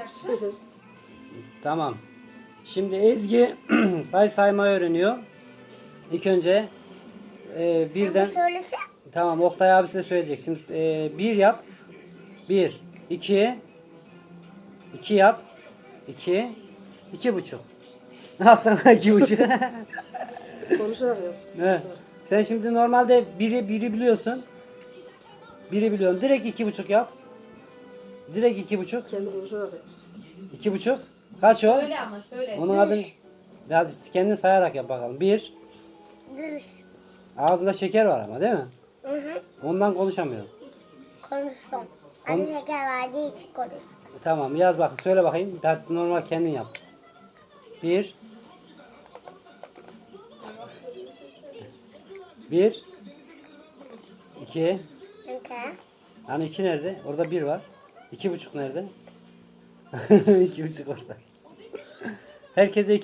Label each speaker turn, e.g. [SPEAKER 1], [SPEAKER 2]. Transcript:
[SPEAKER 1] yapsın.
[SPEAKER 2] Tamam. Şimdi Ezgi saymayı öğreniyor. İlk önce birden...
[SPEAKER 3] Söylese.
[SPEAKER 2] Tamam, Oktay abisi de söyleyecek. Şimdi bir yap. Bir. İki. İki yap. İki. 2,5. Al sana 2,5.
[SPEAKER 1] Konuşarak yap.
[SPEAKER 2] Evet. Sen şimdi normalde biri biliyorsun. Biri biliyorsun. Direkt 2,5 yap. Direkt 2,5.
[SPEAKER 1] Kendi konuşarak yapsın.
[SPEAKER 2] 2,5. Kaç o?
[SPEAKER 4] Söyle ama söyle.
[SPEAKER 2] Onun adını... Hadi kendin sayarak yap bakalım. 1.
[SPEAKER 3] Gülüş.
[SPEAKER 2] Ağzında şeker var ama değil mi?
[SPEAKER 3] Hı hı.
[SPEAKER 2] Ondan konuşamıyorum.
[SPEAKER 3] Konuşuyorum. Anne şeker verdiği için konuş.
[SPEAKER 2] Tamam, yaz bakın. Söyle bakayım. Hadi normal kendin yap. 1. 1. 2.
[SPEAKER 3] Okay.
[SPEAKER 2] Hani 2 nerede? Orada 1 var. 2,5 nerede? 2,5 orada. Herkese 2.